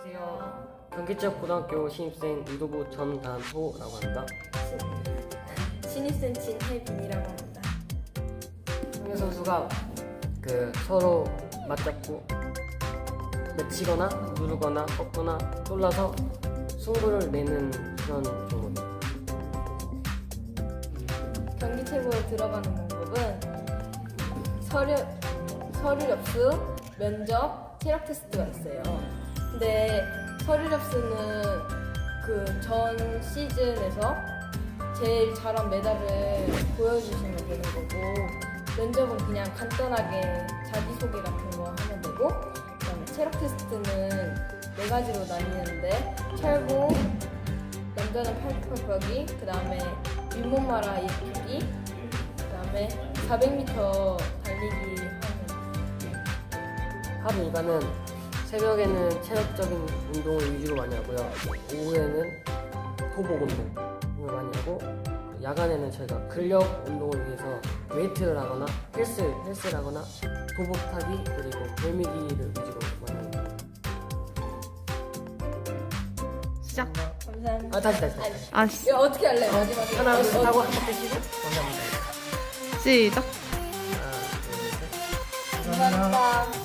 안녕하세요. 경기지역고등학교 신입생 유도부 전단호라고 합니다. 신입생 진혜빈이라고 합니다. 성현 선수가 서로 맞잡고 맺히거나 누르거나 꺾거나 쫄라서 승부를 내는 그런 종목. 경기 최고에 들어가는 방법은 서류 접수, 면접, 체력 테스트가 있어요. 근데 서류 접수는 그 전 시즌에서 제일 잘한 메달을 보여주시면 되는 거고, 면접은 그냥 간단하게 자기소개 같은 거 하면 되고, 그다음에 체력 테스트는 4가지로 나뉘는데 철봉, 남자는 팔굽혀 펴기, 그다음에 윗몸 말아입기, 그다음에 400m 달리기 하는. 하루 일과는 새벽에는 체력적인 운동을 위주로 많이 하고요. 오후에는 호복 운동을 많이 하고, 야간에는 저희가 근력 운동을 위해서 웨이트를 하거나 헬스를 하거나 도복 타기 그리고 돌미기를 위주로 많이 합니다. 시작. 감사합니다. 다시. 이거 어떻게 할래? 마지막에 하나 둘 하고 한 번 떼시고 감사합니다. 시작. 하나 둘 셋. 감사합니다.